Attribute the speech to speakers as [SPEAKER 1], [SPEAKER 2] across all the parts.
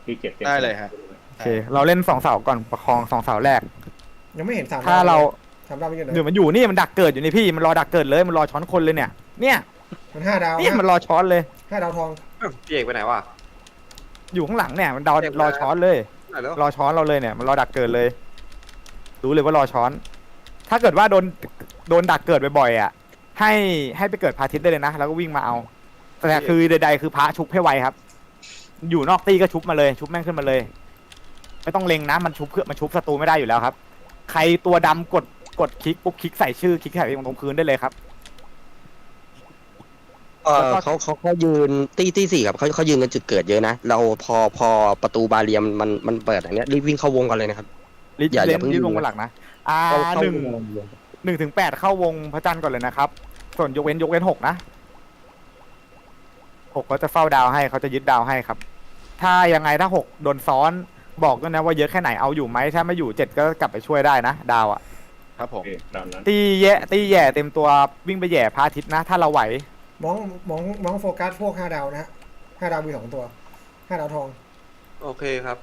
[SPEAKER 1] ที่เจ็ด
[SPEAKER 2] ได้เลยฮะ
[SPEAKER 3] โอเคเราเล่น2 เสาก่อนประคอง2 เสาแรก
[SPEAKER 4] ยังไม่เห็น3
[SPEAKER 3] ถ้าเรา
[SPEAKER 4] 3 ดาวมันอยู่ไหน
[SPEAKER 3] เดี๋ยวมันอยู่นี่มันดักเกิดอยู่นี่พี่มันรอดักเกิดเลยมันรอช้อนคนเลยเนี่ย
[SPEAKER 4] มัน5 ดาว
[SPEAKER 3] เนี่ยมันรอช้อนเลย
[SPEAKER 4] 5 ดาวทอง
[SPEAKER 5] พี่เอกไปไหนวะ
[SPEAKER 3] อยู่ข้างหลังเนี่ยมันรอช้อนเลย
[SPEAKER 5] ไหนแล้ว
[SPEAKER 3] รอช้อนเราเลยเนี่ยมันรอดักเกิดเลยรู้เลยว่ารอช้อน ถ้าเกิดว่าโดนดักเกิดบ่อยๆอ่ะให้ไปเกิดพระอาทิตย์ได้เลยนะแล้วก็วิ่งมาเอาแต่คือใดๆคือพระชุบให้ไวครับ อยู่นอกตีก็ชุบมาเลยชุบแม่งขึ้นมาเลย ไม่ต้องเล็งนะมันชุบเพื่อมันชุบศัตรูไม่ได้อยู่แล้วครับ ใครตัวดำกดคลิกปุ๊บคลิกใส่ชื่อคลิกใส่ตรงพื้นได้เลยครับ
[SPEAKER 6] เขายืนตีสี่ครับเขายืนกันจุดเกิดเยอะนะเราพอประตูบาเรียมมันเปิดอย่างเนี้ยรีบวิ่งเข้าวงกันเลยนะครับ อย่า
[SPEAKER 3] เล่น
[SPEAKER 6] เพิ่ง
[SPEAKER 3] รีบล
[SPEAKER 6] ยิ
[SPEAKER 3] ง
[SPEAKER 6] ง
[SPEAKER 3] มาหลักนะ
[SPEAKER 6] เข้า
[SPEAKER 3] 1 ถึง 8เข้าวงพระจันทร์ก่อนเลยนะครับ ส่วนยกเว้น6นะ6เขาจะเฝ้าดาวให้เขาจะยึดดาวให้ครับ ถ้ายังไงถ้า6โดนซ้อนบอกด้วยนะว่าเยอะแค่ไหนเอาอยู่ไหมถ้าไม่อยู่7ก็กลับไปช่วยได้นะดาวอ่ะ
[SPEAKER 2] ครับผ
[SPEAKER 1] โอ
[SPEAKER 2] ม
[SPEAKER 1] เคตามนั้น
[SPEAKER 3] ตีแย่เต็มตัววิ่งไปแย่พระอาทิตย์นะ ถ้าเราไหว
[SPEAKER 4] มองโฟกัสพวก5 ดาวนะฮะ5 ดาวมี2 ตัว5 ดาวทอง
[SPEAKER 5] โอเคครับ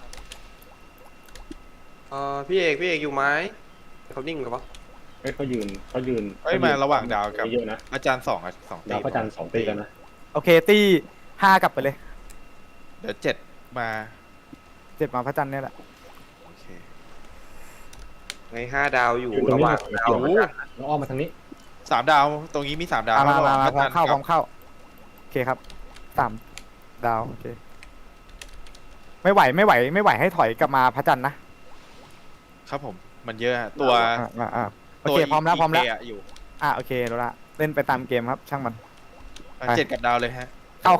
[SPEAKER 5] พี่เอกอยู่ไหมเขานิ่งกับปะ
[SPEAKER 1] เขายืน
[SPEAKER 2] มาระหว่างดาวกับ
[SPEAKER 1] เยอะนะ
[SPEAKER 2] อาจารย์2อ่ะ2ตี
[SPEAKER 1] ดาวพระจันทร์2 ตีกันนะ
[SPEAKER 3] โอเคตี5กลับไปเลย
[SPEAKER 2] เดี๋ยว7มา
[SPEAKER 3] 7มาพระจันทร์เนี่ยแหละ
[SPEAKER 2] โอเค
[SPEAKER 5] ไง5 ดาวอยู่
[SPEAKER 1] ยืนตรง
[SPEAKER 5] ระห
[SPEAKER 1] นี้
[SPEAKER 5] ว่างดาว
[SPEAKER 1] แล้วอ้อมมาทางนี้
[SPEAKER 2] 3 ดาวตรงนี้มี3 ดาว
[SPEAKER 3] มา
[SPEAKER 2] ระหว่าง
[SPEAKER 3] พ
[SPEAKER 2] พระ
[SPEAKER 3] ร้อ
[SPEAKER 2] จั
[SPEAKER 3] ม
[SPEAKER 2] นทร์
[SPEAKER 3] เข้าพร้
[SPEAKER 2] กั
[SPEAKER 3] อบ มเข้าโอเคครับ3 ดาวโอเคไม่ไหวให้ถอยกลับมาพระจันทร์นะครับ
[SPEAKER 2] ผมมันเยอะตัว
[SPEAKER 3] โอเคพร้อมแล้ว
[SPEAKER 2] อยู่
[SPEAKER 3] โอเครู้ละเล่นไปตามเกมครับ ช่างมัน
[SPEAKER 2] 7กับดาวเลยฮะ
[SPEAKER 3] เข้า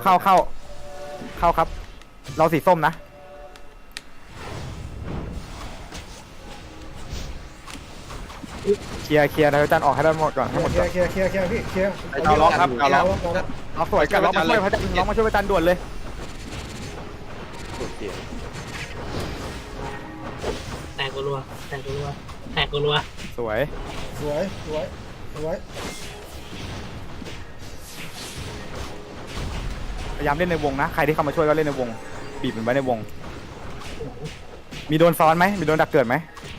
[SPEAKER 3] ครับ เราสีส้มนะเคลียร์นะพระจันทร์ออกให้ได้หมดก่อนให้หมด
[SPEAKER 4] เค
[SPEAKER 3] ก่อน
[SPEAKER 4] ลียร์พี่เคลียร์
[SPEAKER 2] ดาวล็อกครับดาวล็อก
[SPEAKER 3] ล็อกสวยกันล็อกมาช่วยพระจันทร์ล็อกมาช่วยพระจันทร์ด่วนเลย
[SPEAKER 7] แตกรัว
[SPEAKER 3] สวย
[SPEAKER 4] สวย
[SPEAKER 3] พยายามเล่นในวงนะใครที่เข้ามาช่วยก็เล่นในวงบีบมันไว้ในวง มีโดนซ้อนไหมมีโดนดักเกิดไหม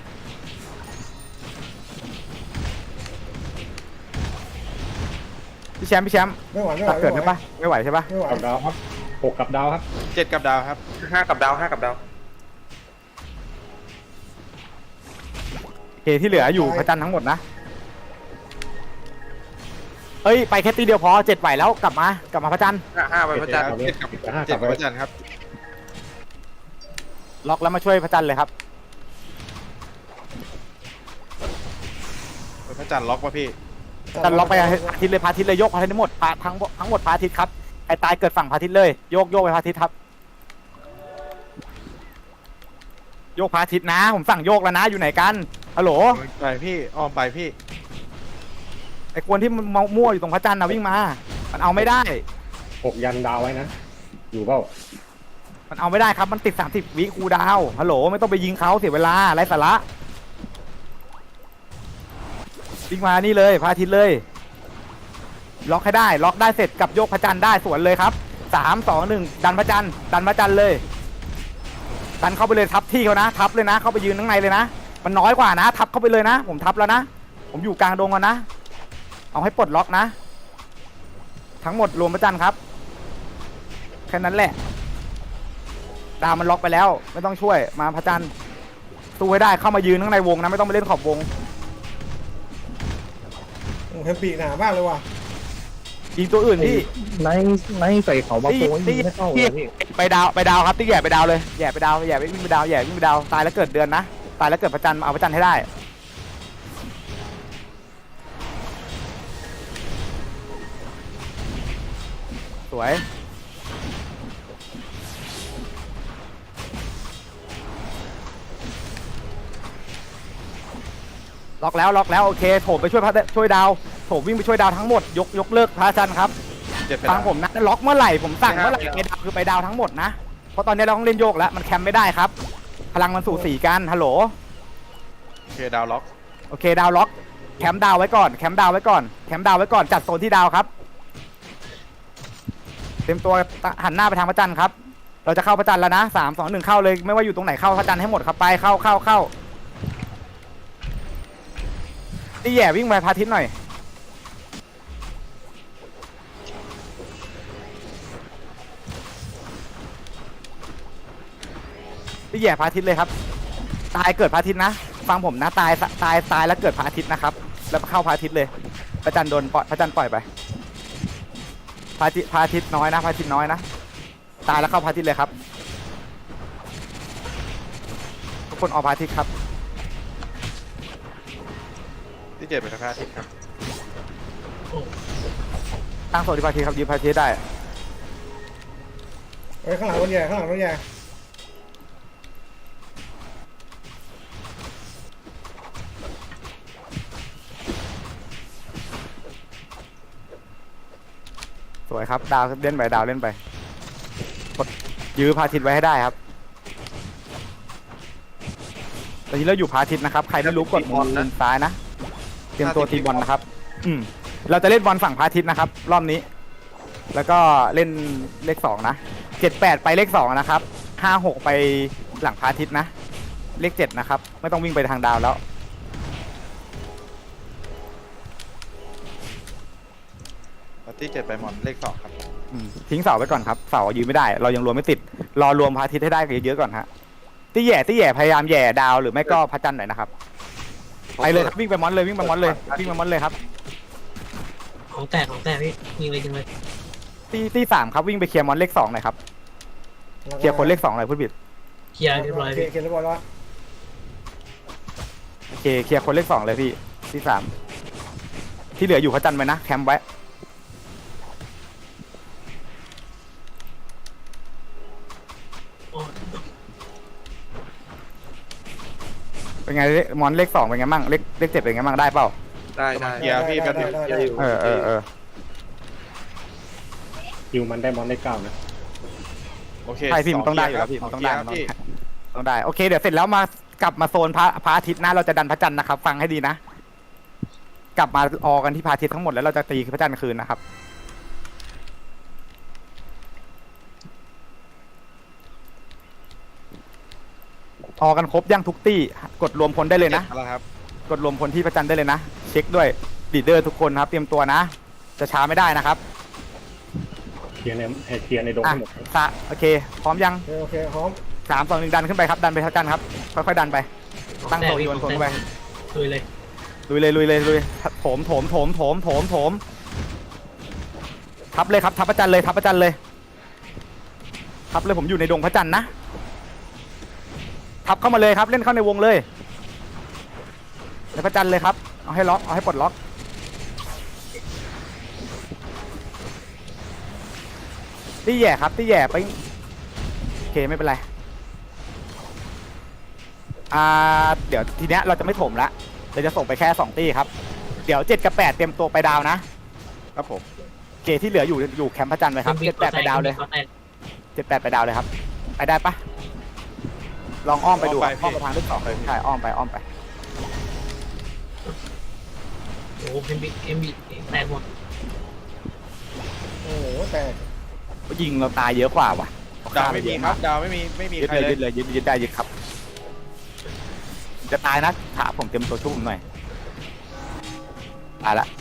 [SPEAKER 3] พี่แชมป์
[SPEAKER 4] ไม่ไหว
[SPEAKER 3] ดักเกิดไหมปะไม่ไหวใช่ปะ
[SPEAKER 4] ไม่ไหว
[SPEAKER 1] กับดาวครับ6กับดาวครับ
[SPEAKER 2] 7กับดาวครับ
[SPEAKER 5] 5 กับดาว5 กับดาว
[SPEAKER 3] โอเคที่เหลืออยู่พระจันทร์ทั้งหมดนะเอ้ยไปแค่ตีเดียวพอ7ไหวแล้วกลับมาพระจันทร์
[SPEAKER 5] 5ไปพระจันทร์
[SPEAKER 2] 7กับพระจันทร์ครับ
[SPEAKER 3] ล็อกแล้วมาช่วยพระจันทร์เลยครับ
[SPEAKER 2] พระจันทร์ล็อกป่ะพี่
[SPEAKER 3] จันทร์ล็อกไปพระอาทิตย์เลยพระอาทิตย์เลยยกพระอาทิตย์ทั้งหมดทั้งหมดพระอาทิตย์ครับไอ้ตายเกิดฝั่งพระอาทิตย์เลยโยกไปพระอาทิตย์ครับโยกพระอาทิตย์นะผมสั่งโยกแล้วนะอยู่ไหนกันฮัลโหล
[SPEAKER 2] ไปพี่อ้อมไปพี่
[SPEAKER 3] ไอ้คนที่มันมั่วอยู่ตรงพระจันทร์นะวิ่งมามันเอาไม่ได้
[SPEAKER 1] 6 ยันดาวไว้นะอยู่เปล่า
[SPEAKER 3] มันเอาไม่ได้ครับมันติด30 วิคูลดาวน์ฮัลโหลไม่ต้องไปยิงเขาเสียเวลาไร้สาระวิ่งมานี่เลยพระอาทิตย์เลยล็อกให้ได้ล็อกได้เสร็จกับโยกพระจันทร์ได้สวนเลยครับ3 2 1ดันพระจันทร์เลยดันเข้าไปเลยทับที่เขานะทับเลยนะเข้าไปยืนข้างในเลยนะมันน้อยกว่านะทับเข้าไปเลยนะผมทับแล้วนะผมอยู่กลางดงก่อนนะเอาให้ปลดล็อกนะทั้งหมดรวมพระจันทร์ครับแค่นั้นแหละดาวมันล็อกไปแล้วไม่ต้องช่วยมาพระจันทร์สู้ให้ได้เข้ามายืนข้างในวงนะไม่ต้องไปเล่นขอบวง
[SPEAKER 4] เฮมปีหนามากเลยว่ะ
[SPEAKER 3] ยิงตัวอื่นที่
[SPEAKER 8] ในใส่เขามาโป้ยไม่เข้าเลยพี่
[SPEAKER 3] ไปดาวครับที่แย่ไปดาวเลยแย่ไปดาววิ่งไปดาวตายแล้วเกิดเดือนนะตายแล้วเกิดพระจันทร์เอาพระจันทร์ให้ได้สวยล็อกแล้วโอเคโถมไปช่วยดาวโถมวิ่งไปช่วยดาวทั้งหมดยกเลิกพระจันทร์ครับ ฟังผมนะล็อกเมื่อไหร่ผมสั่งเมื่อไหร่ไปดาวคือไปดาวทั้งหมดนะเพราะตอนนี้เราต้องเล่นโยกแล้วมันแคมไม่ได้ครับพลังมันสู่สีกันฮัลโหล
[SPEAKER 2] โอเคดาวล็อก
[SPEAKER 3] โอเคดาวล็อกแคมดาวไว้ก่อนจัดโซนที่ดาวครับเต็มตัวหันหน้าไปทางพระจันทร์ครับเราจะเข้าพระจันทร์แล้วนะ3 2 1เข้าเลยไม่ว่าอยู่ตรงไหนเข้าพระจันทร์ให้หมดครับไปเข้านี่แย่วิ่งไปพระอาทิตย์หน่อยนี่แย่พระอาทิตย์เลยครับตายเกิดพระอาทิตย์นะฟังผมนะตายแล้วเกิดพระอาทิตย์นะครับแล้วเข้าพระอาทิตย์เลยพระจันทร์โดนปล่อยพระจันทร์ปล่อยไปพระอาทิตย์น้อยนะพระอาทิตย์น้อยนะตายแล้วเข้าพระอาทิตย์เลยครับทุกคนออกพระอาทิตย์ครับ
[SPEAKER 2] ที่เจ็ดเป็นพระอาทิตย์ครับ
[SPEAKER 3] ตั้งโซนที่พระอาทิตย์ครับยืมพระอาทิตย์ได้
[SPEAKER 4] เฮ้ยข้างหลังรถใหญ่ข้างหลังรถใหญ่
[SPEAKER 3] สวยครับดาวเล่นไปดาวเล่นไปกดยื้อพระอาทิตย์ไว้ให้ได้ครับตอนนี้เราอยู่พระอาทิตย์นะครับใครไม่รู้กดมุมซ้ายนะเตรียมตัวทีบอลนะครับเราจะเล่นบอลฝั่งพระอาทิตย์นะครับรอบนี้แล้วก็เล่นเลข2นะ7-8ไปเลข2นะครับ5-6ไปหลังพระอาทิตย์นะเลข7นะครับไม่ต้องวิ่งไปทางดาวแล้ว
[SPEAKER 2] ที่เจ็ดไปหมอนเลข2ครับ
[SPEAKER 3] ทิ้งเสาไว้ก่อนครับเสายืนไม่ได้เรายังรวมไม่ติดรอรวมพระอาทิตย์ให้ได้เยอะๆก่อนฮะที่แย่พยายามแย่ดาวหรือไม่ก็พระจันทร์หน่อยนะครับไปเลยครับวิ่งไปมอนเลยวิ่งไปมอนเลยครับ
[SPEAKER 7] ของแตกพี่ยิงเลย
[SPEAKER 3] ที่3ครับวิ่งไปเคลียร์มอนเลข2หน่อยครับเคลียร์คนเลข2หน่อยพูดผิด
[SPEAKER 7] เคลียร์เรียบร้อยพี่
[SPEAKER 4] เคลียร์เรียบร้อยแล้ว
[SPEAKER 3] โอเคเคลียร์คนเลข2เลยพี่ที่3ที่เหลืออยู่พระจันทร์ไว้นะแคมป์ไว้เป็นไงมอนเลข2เป็นไงมั่งเลข7เป็นไงมั่งได้เปล่า
[SPEAKER 5] ได้
[SPEAKER 2] เคลียร์พี่แป๊บนึง
[SPEAKER 4] ได้
[SPEAKER 1] คิวมันได้มอนได้9นะ
[SPEAKER 2] โอเค
[SPEAKER 3] ใช่พี่มันต้องได้อยู่แล้วพี่มันต้องได้ต้องได้โอเคเดี๋ยวเสร็จแล้วมากลับมาโซนพระอาทิตย์นะเราจะดันพระจันทร์นะครับฟังให้ดีนะกลับมาออกันที่พระอาทิตย์ทั้งหมดแล้วเราจะตีพระจันทร์คืนนะครับออกันครบยังทุกตี้กดรวมพลได้เลยนะ
[SPEAKER 2] แล้วครับ
[SPEAKER 3] กดรวมพลที่พระจันทร์ได้เลยนะเช็คด้วยลีดเดอร์ทุกคนครับเตรียมตัวนะจะช้าไม่ได้นะครับ
[SPEAKER 1] เคลียร์ในดงทั้งหมด
[SPEAKER 3] โอเคพร้อมยัง
[SPEAKER 4] โอเคพร้อม
[SPEAKER 3] 3 2 1ดันขึ้นไปครับดันไปพระจันทร์ครับค่อยๆดันไปตั้งโซนโยนคนไป
[SPEAKER 7] ลุยเลย
[SPEAKER 3] ลุยโถมทับเลยครับทับพระจันทร์เลยทับเลยผมอยู่ในดงพระจันทร์นะทับเข้ามาเลยครับเล่นเข้าในวงเลยในพระจันทร์เลยครับเอาให้ล็อกเอาให้ปลดล็อกที่แย่ครับที่แย่ไปโอเคไม่เป็นไรเดี๋ยวทีเนี้ยเราจะไม่ถมละเราจะส่งไปแค่2ตี้ครับเดี๋ยว7กับ8เตรียมตัวไปดาวนะครับ
[SPEAKER 2] ผม
[SPEAKER 3] โอเคที่เหลืออยู่แคมป์พระจันทร์เลยครับ7-8ไปดาวเลย7-8ไปดาวเลยครับไปได้ปะลองอ้อมไปดูอ้อมไปทางเลข2เลยใช่อ้อมไป
[SPEAKER 7] โอ้เอ็มบีแตกหมด
[SPEAKER 4] โอ้โหแต่
[SPEAKER 3] ยิงเราตายเยอะกว่าว่ะ
[SPEAKER 2] ดาวไม่มีครับดาวไม่มี
[SPEAKER 3] ยึด
[SPEAKER 2] ใคร
[SPEAKER 3] เลย
[SPEAKER 2] เลย
[SPEAKER 3] ยึดได้ยึดครับจะตายนะถาผมเตรียมตัวชุ่มหน่อยตายละ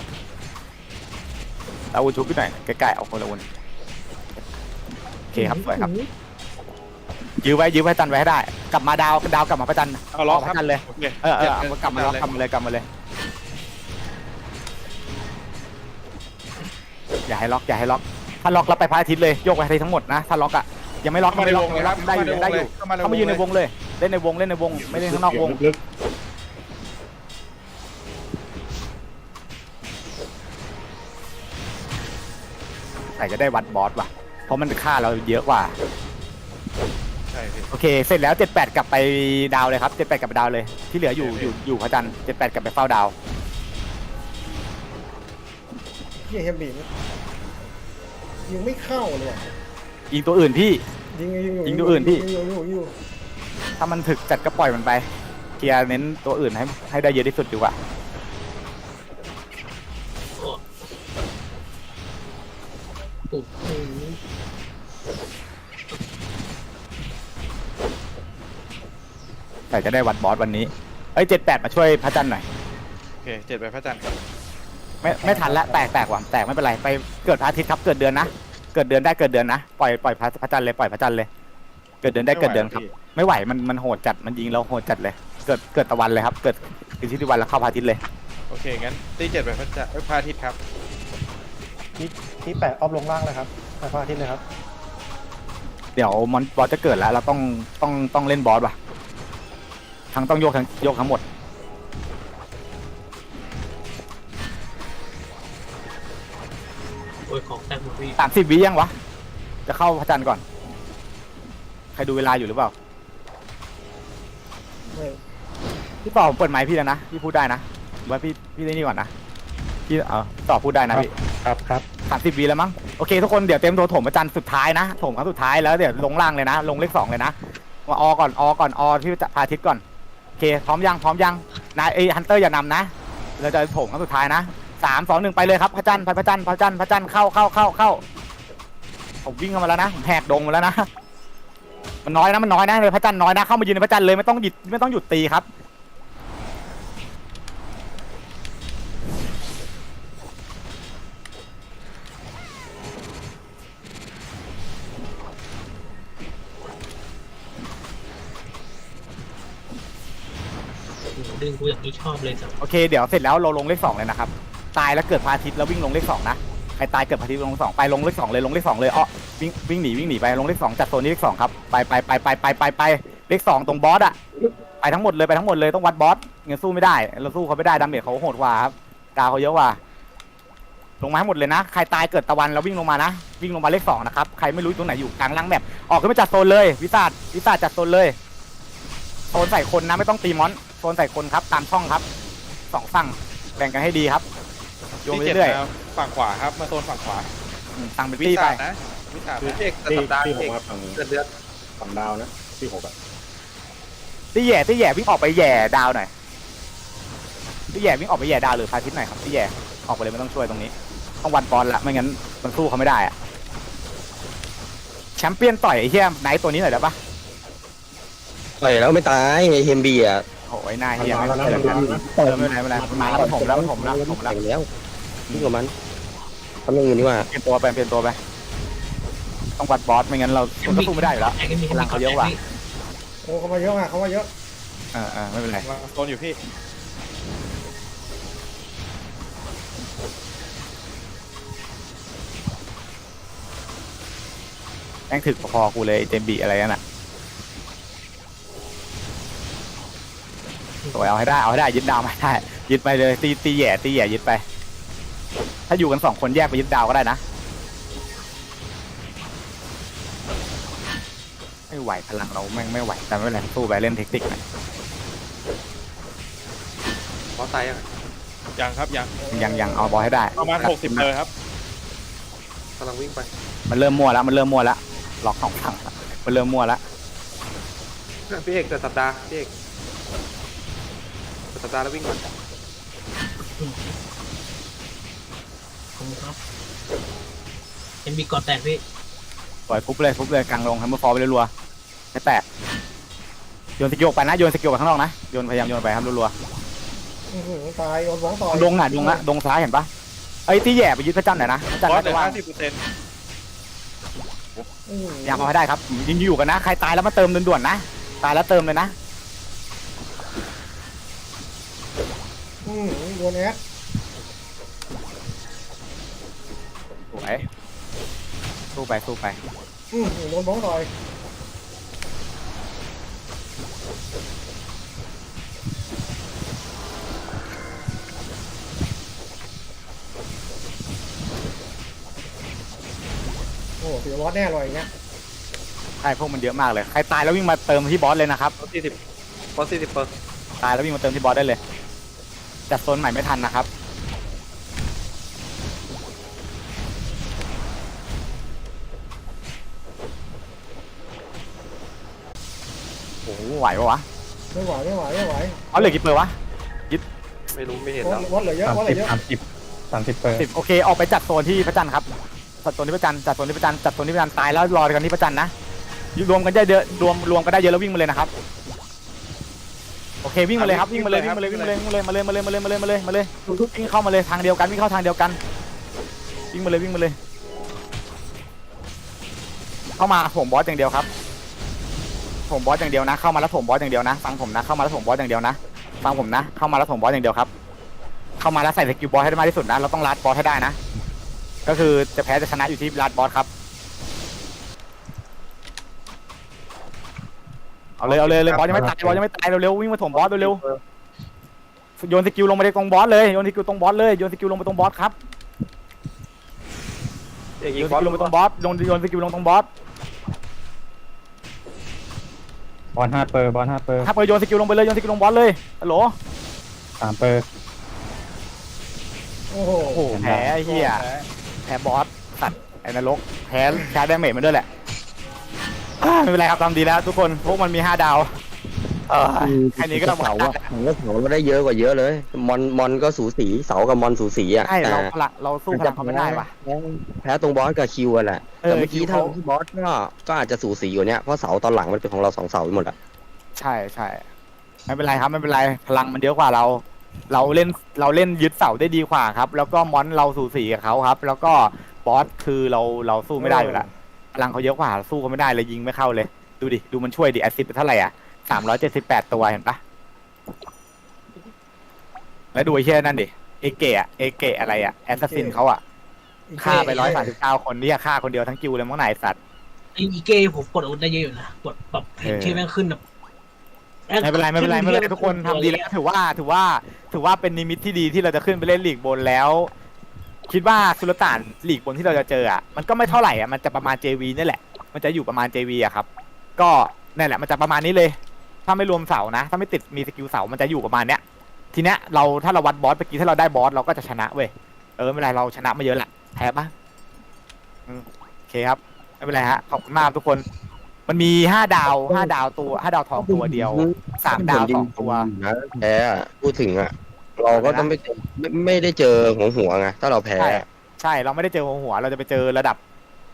[SPEAKER 3] เอาวุ้นชุบไปหน่อยใกล้ๆเอาคนละวุ้นโอเคครับสวยครับยื้อไว้จันไว้ให้ได้กลับมาดาวกลับมาพระจันทร์
[SPEAKER 2] เอาล็อก
[SPEAKER 3] พ
[SPEAKER 2] ครับ
[SPEAKER 3] ระจันทร์เลย
[SPEAKER 2] โอเค
[SPEAKER 3] กลับมาเลยอย่าให้ล็อกถ้าล็อกเราไปพระอาทิตย์เลยโยกไปพระอาทิตย์ทั้งหมดนะถ้าล็อกอ่ะยังไม่ล็อกได้อยู่เข้ามายืนในวงเลยเล่นในวงไม่เล่นข้างนอกวง
[SPEAKER 1] ลึก
[SPEAKER 3] แต่จะได้วัดบอสว่ะเพราะมันค่าเราเยอะกว่า
[SPEAKER 2] ใช่พี่
[SPEAKER 3] โอเคเสร็จแล้ว7-8กลับไปดาวเลยครับ7-8กลับไปดาวเลยที่เหลืออยู่พระจันทร์7-8กลับไปเฝ้าดาว
[SPEAKER 4] พี่เฮมบียิงไม่เข้าเลยว่ะ
[SPEAKER 3] ยิงตัวอื่นพี่ ยิงตัวอื่นพี่
[SPEAKER 4] ยิงอยู่
[SPEAKER 3] ถ้ามันถึกจัดก็ปล่อยมันไปเคลียร์เน้นตัวอื่นให้ได้เยอะที่สุดดีกว่า
[SPEAKER 7] โอ้โห
[SPEAKER 3] แต่จะได้วัดบอสวันนี้เอ้ย78มาช่วยพระจันทร์หน่อย
[SPEAKER 2] โอเค7ไปพระจันทร์
[SPEAKER 3] ไม่ทันละแตกว่ะแตกไม่เป็นไรไปเกิดพระอาทิตย์ครับเกิดเดือนนะเกิดเดือนได้เกิดเดือนนะปล่อยพระจันทร์เลยปล่อยพระจันทร์เลยเกิดเดือนได้เกิดเดือนครับไม่ไหวมันโหดจัดมันยิงเราโหดจัดเลยเกิดตะวันเลยครับเกิดอิทธิวันแล้วเข้าพระอาทิตย์เลย
[SPEAKER 2] โอเคงั้นตี7ไปพระจันทร์พระอาทิตย์ครับ
[SPEAKER 8] ที่แปะออฟลงล่างเลยครับไปพระอาทิตย์เลยครับ
[SPEAKER 3] เดี๋ยวมอนบอสจะเกิดแล้วเราต้องเล่นบอสว่ะทั้งต้องโยกทั้งหมด
[SPEAKER 7] โอ้ยของแตกหมดพี่
[SPEAKER 3] 30 วิยังวะจะเข้าพระจันทร์ก่อนใครดูเวลาอยู่หรือเปล่า
[SPEAKER 4] ไม่
[SPEAKER 3] พี่ต่อผมเปิดไมค์พี่แล้วนะพี่พูดได้นะหรือว่าพี่ได้นี่ก่อนนะพี่ต่อพูดได้นะพี่
[SPEAKER 8] ครับ
[SPEAKER 3] 30 วิแล้วมั้งโอเคทุกคนเดี๋ยวเต็มตัวถมพระจันทร์สุดท้ายนะถมครั้งสุดท้ายแล้วเดี๋ยวลงล่างเลยนะลงเลข2เลยนะมาอก่อนที่พระอาทิตย์ก่อนโอเคพร้อมยังนายฮันเตอร์อย่านำนะเราจะถมครั้งสุดท้ายนะ3 2 1ไปเลยครับพระจันทร์เข้าผมวิ่งเข้ามาแล้วนะผมแหกดงมาแล้วนะมันน้อยนะเลยพระจันทร์น้อยนะเข้ามายืนในพระจันทร์เลยไม่ต้องหยุดตีครับ
[SPEAKER 7] ดึงกูอย่างนี้ชอบเลยจ้ะ
[SPEAKER 3] โอเคเดี๋ยวเสร็จแล้วเราลงเลข2เลยนะครับตายแล้วเกิดพระอาทิตย์แล้ววิ่งลงเลข2นะใครตายเกิดพระอาทิตย์ลง2ไปลงเลข2เลยวิ่งหนีไปลงเลข2จัดโซนนี้เลข2ครับไปเลข2ตรงบอสอะไปทั้งหมดเลยต้องวัดบอสเงินสู้ไม่ได้เราสู้เขาไม่ได้ดาเมจเขาโหดกว่าครับดาวเขาเยอะกว่าลงมาให้หมดเลยนะใครตายเกิดตะวันแล้ววิ่งลงมานะวิ่งลงมาเลข2นะครับใครไม่รู้ตรงไหนอยู่กลางล่างแบบออกขึ้นมาจัดโซนเลยวิสาจัดโซนเลยโซนใส่คนนะไม่ต้องตีมอนโซนใส่คนครับตามช่องครับ2ฝั่งแบ่งกันให้ดีครับโยง
[SPEAKER 2] ตี
[SPEAKER 3] ไปเรื่อย
[SPEAKER 2] 7ฝั่งขวาครับมาโซนฝั่งขวา
[SPEAKER 3] สั่งเป็น
[SPEAKER 2] วิ
[SPEAKER 3] ตี้ไป
[SPEAKER 2] สาดนะวิสาด
[SPEAKER 5] คือ
[SPEAKER 2] นะ
[SPEAKER 5] พี่เอกแต่
[SPEAKER 1] ที่
[SPEAKER 5] สัปดาห์
[SPEAKER 1] ที่
[SPEAKER 5] พี่
[SPEAKER 1] ห
[SPEAKER 5] เอก ก
[SPEAKER 1] มาฝั่ง
[SPEAKER 5] เกิดเดือน
[SPEAKER 1] ฝั่งดาวนะที่6อะ
[SPEAKER 3] ตี้แย่วิ่งออกไปแย่ดาวหน่อยตี้แย่วิ่งออกไปแย่ดาวหรือพาทิตย์หน่อยครับตี้แย่ออกไปเลยไม่ต้องช่วยตรงนี้ต้องวันบอลละไม่งั้นมันสู้เขาไม่ได้อะแชมเปี้ยนต่อยไอ้เหี้ยไนท์ตัวนี้หน่อยได้ปะ
[SPEAKER 6] ต่อยแล้วไม่ตายไอ้เฮมบีอ่ะ
[SPEAKER 3] โอ้ยนายเฮีย
[SPEAKER 1] มา
[SPEAKER 3] ไม่
[SPEAKER 1] แล้ว
[SPEAKER 3] เกิ
[SPEAKER 1] นะ
[SPEAKER 3] ดกันไม่เป็นไรมาแล้วผมแล้ว
[SPEAKER 6] แต่งแล้วนี่กับมันทำอย่างอื่นดีกว่า
[SPEAKER 3] เปลี่ยนตัวไปต้องวัดบอสไม่งั้นเราสู้ไม่ได้อยู่แล้ว
[SPEAKER 7] แตกก็มี
[SPEAKER 3] พลังเขาเยอะกว่า
[SPEAKER 4] โอ้เขามาเยอะเขามาเยอะ
[SPEAKER 3] ไม่เป็นไร
[SPEAKER 2] มาโซนอยู่พี่
[SPEAKER 3] แม่งถึกพอกูเลยเจมบีอะไรนั่นน่ะสวยเอาให้ได้ยึดดาวมาได้ยึดไปเลยตีแย่ยึดไปถ้าอยู่กัน2คนแยกไปยึดดาวก็ได้นะไม่ไหวพลังเราแม่งไม่ไหวแต่ไม่เป็นไรสู้ไปเล่นเทคนิคหน่อย
[SPEAKER 5] เพราะตายยัง
[SPEAKER 2] ยังครับยัง
[SPEAKER 3] ยังเอาบอลให้ได้
[SPEAKER 2] ประมาณ60เลยครับ
[SPEAKER 5] กำลังวิ่งไป
[SPEAKER 3] มันเริ่มมั่วแล้วล็อก2ฝั่งมันเริ่มมั่วแล้ว
[SPEAKER 5] พี่เอกแต่สัปดาห์พี่เอกแต่สัปดาห์แล้ววิ่งมา
[SPEAKER 7] ผมครับเอ็มบีกอดแตกพี่
[SPEAKER 3] ปล่อยฟุบเลยกลางลงให้มือฟอร์ไปรัวๆไม่แตกโยนสกิลไปนะโยนสกิลไปข้างนอกนะพยายามโยนไปครับรัว
[SPEAKER 4] ตายโดนบ้องต่อย
[SPEAKER 3] ๆดงซ้ายเห็นปะไอ้ที่แย่ไปยึดพระจันทร์หน่อยนะพระจันท
[SPEAKER 2] บ
[SPEAKER 3] ร์
[SPEAKER 2] อส
[SPEAKER 3] น่า
[SPEAKER 2] เหลื
[SPEAKER 3] จะ
[SPEAKER 2] อ
[SPEAKER 3] ว่าง
[SPEAKER 2] 50%
[SPEAKER 3] ยังเอาให้ได้ครับยิงอยู่กันนะใครตายแล้วมาเติมด่วนๆนะตายแล้วเติมเลยนะ
[SPEAKER 4] โดนแอด
[SPEAKER 3] สวยสู้ไป
[SPEAKER 4] โดนบ้องต่อยโอ้เสียวอสแน่เลยอย่างเงี้ย
[SPEAKER 3] ใช่พวกมันเยอะมากเลยใครตายแล้ววิ่งมาเติมที่บอสเลยนะครับ
[SPEAKER 5] เพราะ40%เปอร์
[SPEAKER 3] ตายแล้ววิ่งมาเติมที่บอสได้เลยจัดโซนใหม่ไม่ทันนะครับโอ้โหไหวปะวะ
[SPEAKER 4] ไม่ไหว
[SPEAKER 3] เอาเหลือกี่เปอร์วะ
[SPEAKER 5] ไม่รู้ไม่เห็นแล้ว
[SPEAKER 4] วัดเหลือเยอะวัดเหลือเยอะ
[SPEAKER 8] 30เปอร์
[SPEAKER 3] 10โอเคออกไปจัดโซนที่พระจันทร์ครับจัดโซนที่พระจันทร์ตายแล้วรอกันที่พระจันทร์นะรวมกันได้เยอะรวมกันได้เยอะแล้ววิ่งมาเลยนะครับเควิ่งมาเลยครับวิ่งมาเลยวิ่งมาเลยวิ่งมาเลยวิ่งมาเลยมาเลยมาเลยมาเลยมาเลยมาเลยมาเลยวิ่งเข้ามาเลยทางเดียวกันวิ่งเข้าทางเดียวกันวิ่งมาเลยวิ่งมาเลยเข้ามาผมบอสอย่างเดียวครับผมบอสอย่างเดียวนะเข้ามาแล้วผมบอสอย่างเดียวนะฟังผมนะเข้ามาแล้วผมบอสอย่างเดียวนะฟังผมนะเข้ามาแล้วผมบอสอย่างเดียวครับเข้ามาแล้วใส่สกิลบอสให้ได้มากที่สุดนะเราต้องลัดบอสให้ได้นะก็คือจะแพ้จะชนะอยู่ที่ลัดบอสครับเอาเลยบอสยังไม่ตายบอสยังไม่ตายเร็วๆวิ่งมาถมบอสเร็วๆโยนสกิลลงไปตรงบอสเลยโยนสกิลตรงบอสเลยโยนสกิลลงไปตรงบอสครับโยนสกิลลงไปตรงบอสโยนสกิลลงตรงบอส
[SPEAKER 8] บอล5 เปอร์บอล5 เปอร์
[SPEAKER 3] ถ้าเปิดโยนสกิลลงไปเลยโยนสกิลลงบอสเลยฮัลโหล
[SPEAKER 8] 3 เปอร์
[SPEAKER 4] โอ้โห
[SPEAKER 3] โอ้โหแพ้ไอ้เหี้ยแพ้บอสสัตว์ไอ้นรกแพ้ชาร์จดาเมจมันด้วยแหละไม่เป็นไรครับทำดีแล้วทุกคนพวกมันมี5 ดาวแค่นี้ก็ต้อง
[SPEAKER 6] เสาอะเสาเราได้เยอะกว่าเยอะเลยมอนก็สูสีเสากับมอนสูสีอ่ะ
[SPEAKER 3] ใช่เราสู้พลังเขาไม่ได้ว่ะ
[SPEAKER 6] แพ้ตรงบอสกับคิวอะแหละแต่เมื่อกี้ถ้าบอสก็อาจจะสูสีอยู่เนี้ยเพราะเสาตอนหลังมันเป็นของเรา2 เสาไปหมดอะ
[SPEAKER 3] ใช่ไม่เป็นไรครับไม่เป็นไรพลังมันเยอะกว่าเราเล่นยึดเสาได้ดีกว่าครับแล้วก็มอนเราสูสีกับเขาครับแล้วก็บอสคือเราสู้ไม่ได้อยู่แล้วพลังเขาเยอะกว่าสู้เขาไม่ได้เลยยิงไม่เข้าเลยดูดิดูมันช่วยดิแอสซิสต์ไปเท่าไหร่อ่ะ378 ตัวเห็นปะแล้วดูไอ้เชี่ยนั่นดิเอเกะอะไรอ่ะแอสซัสซินเขาอ่ะฆ่าไป139 คนนี่ฆ่าคนเดียวทั้งกิวเลยมั้งไหนสัตว์
[SPEAKER 7] ไอ้อีเก้ผมกดอาวุธได้เยอะอยู่นะกดแบบเห็นที่แม่งขึ้นแบบ
[SPEAKER 3] ไม่เป็นไรทุกคนทำดีแล้วถือว่าเป็นนิมิตที่ดีที่เราจะขึ้นไปเล่นลีกบนแล้ว คิดว่าสุลต่านลีกบนที่เราจะเจออ่ะมันก็ไม่เท่าไหร่อ่ะมันจะประมาณ JV นี่แหละมันจะอยู่ประมาณ JV อ่ะครับก็นั่นแหละมันจะประมาณนี้เลยถ้าไม่รวมเสานะถ้าไม่ติดมีสกิลเสามันจะอยู่ประมาณเนี้ยทีเนี้ยถ้าเราวัดบอสเมื่อกี้ถ้าเราได้บอสเราก็จะชนะเว้ยไม่เป็นไรเราชนะมาเยอะแหละแพ้ปะโอเคครับไม่เป็นไรฮะขอบคุณมากทุกคนมันมี5 ดาวตัว5 ดาวทองตัวเดียว3 ดาว2 ตัว
[SPEAKER 6] นะแพ้อะพูดถึงอะเราก็ต้องไม่ได้เจอหัวไงถ้าเราแพ้
[SPEAKER 3] ใช่เราไม่ได้เจอหัวเราจะไปเจอระดับ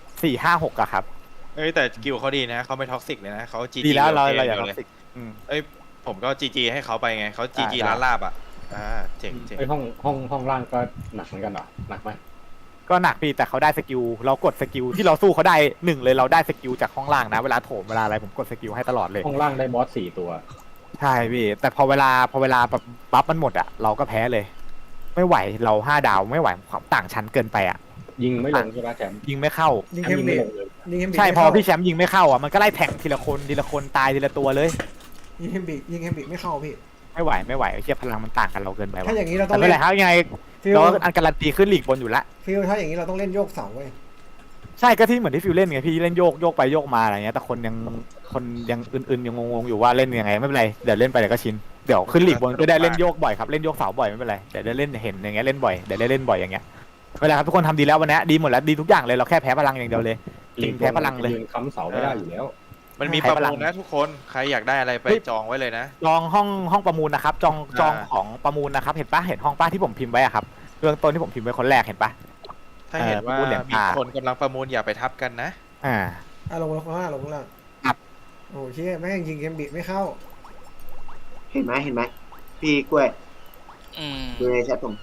[SPEAKER 3] 4 5 6อะครับ
[SPEAKER 2] แต่กิลเขาดีนะเขาไม่ท็อกซิกเลยนะเขาจี
[SPEAKER 3] ดีแล้วเราอย่า
[SPEAKER 2] เล
[SPEAKER 3] ท็อย กซิก
[SPEAKER 2] ผมก็จีให้เขาไปไงเขาจีร้านลาบอ่ะเจ๋ง
[SPEAKER 1] ไอห้องล่างก็หนักเหมือนกันเหรอหนักไหม
[SPEAKER 3] ก็หนักพี่แต่เขาได้สกิลเรากดสกิลที่เราสู้เขาได้1เลยเราได้สกิลจากห้องล่างนะเวลาโถมเวลาอะไรผมกดสกิลให้ตลอดเลย
[SPEAKER 1] ห้องล่างได้บอส4 ตัว
[SPEAKER 3] ใช่พี่แต่พอเวลาแบบบัฟมันหมดอะเราก็แพ้เลย ไม่ไหวเรา5 ดาวไม่ไหวความต่างชั้นเกินไปอะ
[SPEAKER 1] ยิงไม่ลงใช่ไหมแชมป์
[SPEAKER 3] ยิงไม่เข้า
[SPEAKER 4] ยิง
[SPEAKER 1] แช
[SPEAKER 4] เฮ
[SPEAKER 1] ม
[SPEAKER 4] ม
[SPEAKER 1] ป์ยิง
[SPEAKER 4] เบ
[SPEAKER 1] ไม่
[SPEAKER 4] ด
[SPEAKER 1] ลงเลย
[SPEAKER 4] ยิงเฮมเบด
[SPEAKER 3] ใช่พอพี่แชมป์ยิงไม่เข้าอะมันก็ไล่แทงทีละคนตายทีละตัวเลย
[SPEAKER 4] ยิงเฮมเบดไม่เข้าพี่
[SPEAKER 3] ไม่ไหวเทียบพลังมันต่างกันเราเกินไป
[SPEAKER 4] ถ้า
[SPEAKER 3] ว่ะ
[SPEAKER 4] อย่างนี้เราต้อ
[SPEAKER 3] แต่
[SPEAKER 4] ง
[SPEAKER 3] ไม่
[SPEAKER 4] เล่
[SPEAKER 3] เป็น
[SPEAKER 4] น
[SPEAKER 3] ไรครับยังไง
[SPEAKER 4] ฟิล
[SPEAKER 3] เราอันการันตีขึ้นลีกบนอยู่แล้ว
[SPEAKER 4] ฟิลถ้าอย่างนี้เราต้องเล่นโยกเสาเว้ย
[SPEAKER 3] ใช่ก็ที่เหมือนที่ฟิวเล่นไงพี่เล่นโยกไปโยกมาอะไรเงี้ยแต่คนยังอื่นๆยังงงๆอยู่ว่าเล่นยังไงไม่เป็นไรเดี๋ยวเล่นไปเดี๋ยวก็ชินเดี๋ยวขึ้นลีกบนก็ได้เล่นโยกบ่อยครับเล่นโยกเสาบ่อยไม่เป็นไรเดี๋ยวได้เล่นเห็นอย่างเงี้ยเล่นบ่อยเดี๋ยวได้เล่นบ่อยอย่างเงี้ยไม่เป็นไรครับทุกคนทำดีแล้ววันนี้ดีหมดแล้วดีทุกอย่างเลยเราแค่แพ้พลังอย่างเดียวเลยจริงแพ้พลังเลย
[SPEAKER 1] ยืนค้ำเสาไม่ได้อยู่แล้ว
[SPEAKER 2] มันมีประมูลนะทุกคนใครอยากได้อะไรไปจองไว้เลยนะ
[SPEAKER 3] จองห้องประมูลนะครับจองของประมูลนะครับเห็นปะเห็นห้องป้าที่ผมพิมพ์ไว้อะครับเรื่องต้นที่ผมพิมพ์ไว้คนแรกเห็นปะ
[SPEAKER 2] ถ้าเห็นว่า
[SPEAKER 3] ประมูลเหรียญ
[SPEAKER 2] มีคนกำลังประมูลอย่าไปทับกันนะ
[SPEAKER 4] ลงข้างล่างลงข้างล่าง
[SPEAKER 3] ครับ
[SPEAKER 4] โอ้เชี่ยแม่งยิงเฮมเบดไม่เข้า
[SPEAKER 9] เห็นไหมพี่กล้วยดูในแชทผม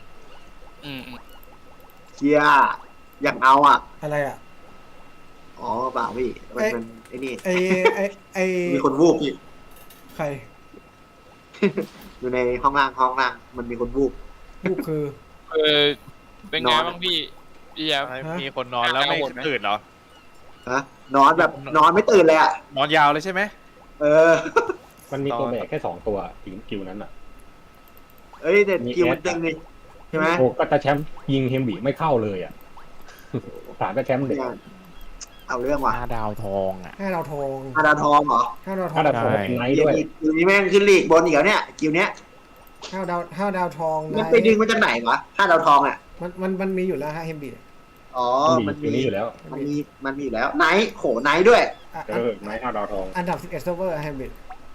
[SPEAKER 9] เชียอยากเอาอ่ะ
[SPEAKER 4] อะไรอ่ะ
[SPEAKER 9] อ๋อเปล่าพี่มันไอ้นี่
[SPEAKER 4] ไอ้
[SPEAKER 9] มีคนวูบพี่
[SPEAKER 4] ใคร
[SPEAKER 9] อยู่ในห้องล่างมันมีคนวูบ
[SPEAKER 4] ลูกคือ
[SPEAKER 10] เป็นไงบ้างพี่แย้ม
[SPEAKER 2] มีคนนอนแล้วไม่ตื่นเหรอ
[SPEAKER 9] ฮะนอนแบบนอนไม่ตื่นเลยอ่ะ
[SPEAKER 2] นอนยาวเลยใช่ไหม
[SPEAKER 1] มันมีตัวแบกแค่2 ตัวกิวนั้นอ่ะ
[SPEAKER 9] เอ้ยเด็ดคิวมันตึงนี่ใช่ไหม
[SPEAKER 1] โอ้ก็แต่แชมป์ยิงเฮมบีไม่เข้าเลยอ่ะถามแต่แชมป์เด็ก
[SPEAKER 9] เอาเรื่องว่ะ
[SPEAKER 3] 5 ดาวทองอ่ะ
[SPEAKER 4] 5 ดาวทอง
[SPEAKER 9] 5 ดาวทองเหรอ
[SPEAKER 4] 5 ดาวทอ
[SPEAKER 1] ถ้าง ดับผมไนท์ด้วย
[SPEAKER 9] คิวนี้แม่งขึ้นลีกบนอีกแล้วเนี่ยคิวเนี้ย
[SPEAKER 4] 5 ดาวทอง
[SPEAKER 9] มันไปดึงมาจากไหนวะ5 ดาวทองอ่ะ
[SPEAKER 4] มันมีอยู่แล้วฮะเฮมเบด
[SPEAKER 9] อ๋อ
[SPEAKER 1] มันมีอยู่แล้ว
[SPEAKER 9] มันมีอยู่แล้วไนท์โหไนท์ด้วย
[SPEAKER 1] ไนท์5 ดาวทอง
[SPEAKER 4] อันดับ11เซิร์ฟเวอร์เฮมเบด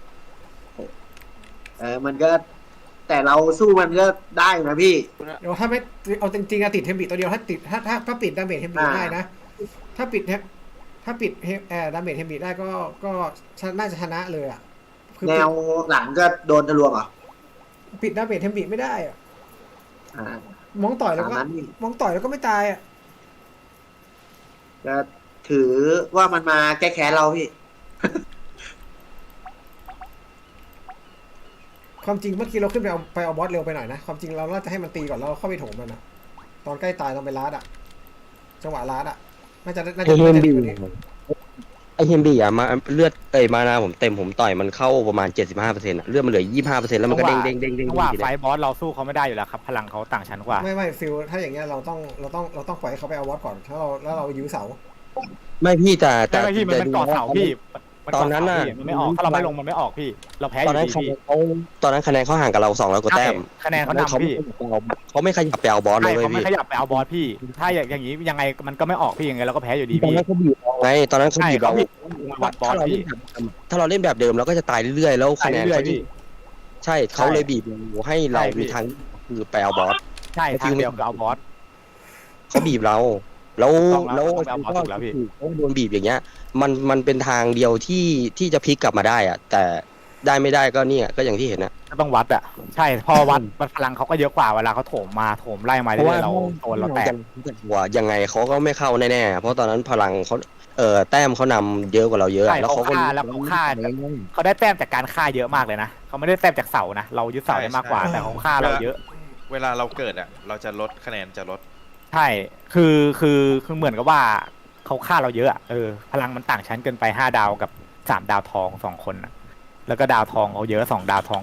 [SPEAKER 9] มันก็แต่เราสู้มันก็ได้นะพี่
[SPEAKER 4] เดี๋ยวถ้าไม่เอาจริงๆอะติดเฮมเบดตัวเดียวถ้าติดถ้าปิดดาเมจเฮมเบดได้นะถ้าปิดดาเมจเฮมเบดได้ก็น่าจะชนะเลยอ่ะคือ
[SPEAKER 9] แนวหลังก็โดนทะลวงเหรอ
[SPEAKER 4] ปิดดาเมจเทมบิไม่ได้อะ
[SPEAKER 9] อ่า
[SPEAKER 4] มองต่อยแล้ว
[SPEAKER 9] ตาม
[SPEAKER 4] ก็
[SPEAKER 9] นั้นนี่
[SPEAKER 4] มองต่อยแล้วก็ไม่ตายอ่ะ
[SPEAKER 9] ก็ถือว่ามันมาแก้แค้นเราพี่
[SPEAKER 4] ความจริงเมื่อกี้เราขึ้นไปเอาบอสเร็วไปหน่อยนะความจริงเราน่าจะให้มันตีก่อนแล้วเราเข้าไปโถมมันนะตอนใกล้ตายต้องไปลาดอ่ะจังหวะลาดอ่ะน่าจะ
[SPEAKER 6] ไอเฮมบี
[SPEAKER 4] กว่านี้
[SPEAKER 6] ไอเฮมบีอะมาเลือดมานาผมเต็มผมต่อยมันเข้าประมาณ 75%อะเลือดมันเหลือ 25%แล้วมันก็เด้งเด้งเด้งเด้ง
[SPEAKER 3] จังหวะไฟบอสเราสู้เขาไม่ได้อยู่แล้วครับพลังเขาต่างชั้นกว่า
[SPEAKER 4] ไม่ฟิลถ้าอย่างเงี้ยเราต้องปล่อยให้เขาไปเอาบอสก่อนแล้วเรายื้อเสา
[SPEAKER 6] ไม่พี่แต่
[SPEAKER 3] แต่พี่มันเกาะเสาพี่มั
[SPEAKER 6] ตอนนั้นน่ะ
[SPEAKER 3] มันไม่ออกถ้าเราไม่ลงมันไม่ออกพี่ เราแพ้อ
[SPEAKER 6] ตอน
[SPEAKER 3] ยู่
[SPEAKER 6] นั้น
[SPEAKER 3] ดีพี่
[SPEAKER 6] ตอนนั้นคะแนนเขาห่างกับเรา200 กว่าแต้ม
[SPEAKER 3] คะแนนเขานำพี่
[SPEAKER 6] เขาไม่ขยับไปเอาบอสเล
[SPEAKER 3] ใช่
[SPEAKER 6] ยเว้ย
[SPEAKER 3] เขาไม่
[SPEAKER 6] พี่
[SPEAKER 3] ขยับไปเอาบอสพี่ ถ้าอย่างนี้ยังไงมันก็ไม่ออกพี่ยังไงเราก็แพ้อยู่ดี
[SPEAKER 6] ตอน
[SPEAKER 3] พี่
[SPEAKER 6] นั้นเขาบีบเราไงตอนนั้นเขา
[SPEAKER 3] ใช่
[SPEAKER 6] บีบ
[SPEAKER 3] เขา
[SPEAKER 6] เรา
[SPEAKER 3] พี่วัดบอสพี่
[SPEAKER 6] ถ้าเราเล่นแบบเดิมเราก็จะตายเรื่อยๆแล้ว
[SPEAKER 3] ตา
[SPEAKER 6] คะ
[SPEAKER 3] ย
[SPEAKER 6] แนน
[SPEAKER 3] เรื่อย
[SPEAKER 6] เขา
[SPEAKER 3] ๆพี่
[SPEAKER 6] ใช่เขาเลยบีบเราให้เรา
[SPEAKER 3] ใช่พี่
[SPEAKER 6] มีทางคือไปเอาบอส
[SPEAKER 3] ใช่ทางเดียวคือเอาบอส
[SPEAKER 6] เขาบีบเรา แล้ว
[SPEAKER 3] ต้องแล้ว
[SPEAKER 6] แล้ว
[SPEAKER 3] ต้องไปเอาบอสถูกแล้วพี่
[SPEAKER 6] เขาโดนบีบอย่างเงี้ย มันเป็นทางเดียวที่จะพลิกกลับมาได้อะแต่ได้ไม่ได้ก็เนี่ยก็อย่างที่เห็นนะ
[SPEAKER 3] ก็ต้องวัดอ่ะใช่พอวัดพลังเขาก็เยอะกว่าเวลาเขาโถมมาโถมไล่มาเรื่อยๆเราโดนเราแตก
[SPEAKER 6] ว่ายังไงเขาก็ไม่เข้าแน่ๆเพราะตอนนั้นพลังเขาแต้มเขานำเยอะกว่าเราเยอะ
[SPEAKER 3] ใช่
[SPEAKER 6] แล้วเขาก็
[SPEAKER 3] เขาฆ่าเขาได้แต้มจากการฆ่าเยอะมากเลยนะเขาไม่ได้แต้มจากเสานะเรายึดเสาได้มากกว่า
[SPEAKER 2] ใช่
[SPEAKER 3] แต่เขาฆ่าเราเยอะ
[SPEAKER 2] เวลาเราเกิดอ่ะ เราจะลดคะแนนจะลด
[SPEAKER 3] ใช่คือเหมือนกับว่าเขาฆ่าเราเยอะอะพลังมันต่างชั้นเกินไป5 ดาวกับ3 ดาวทอง2 คนอะแล้วก็ดาวทองเขาเยอะ2 ดาวทอง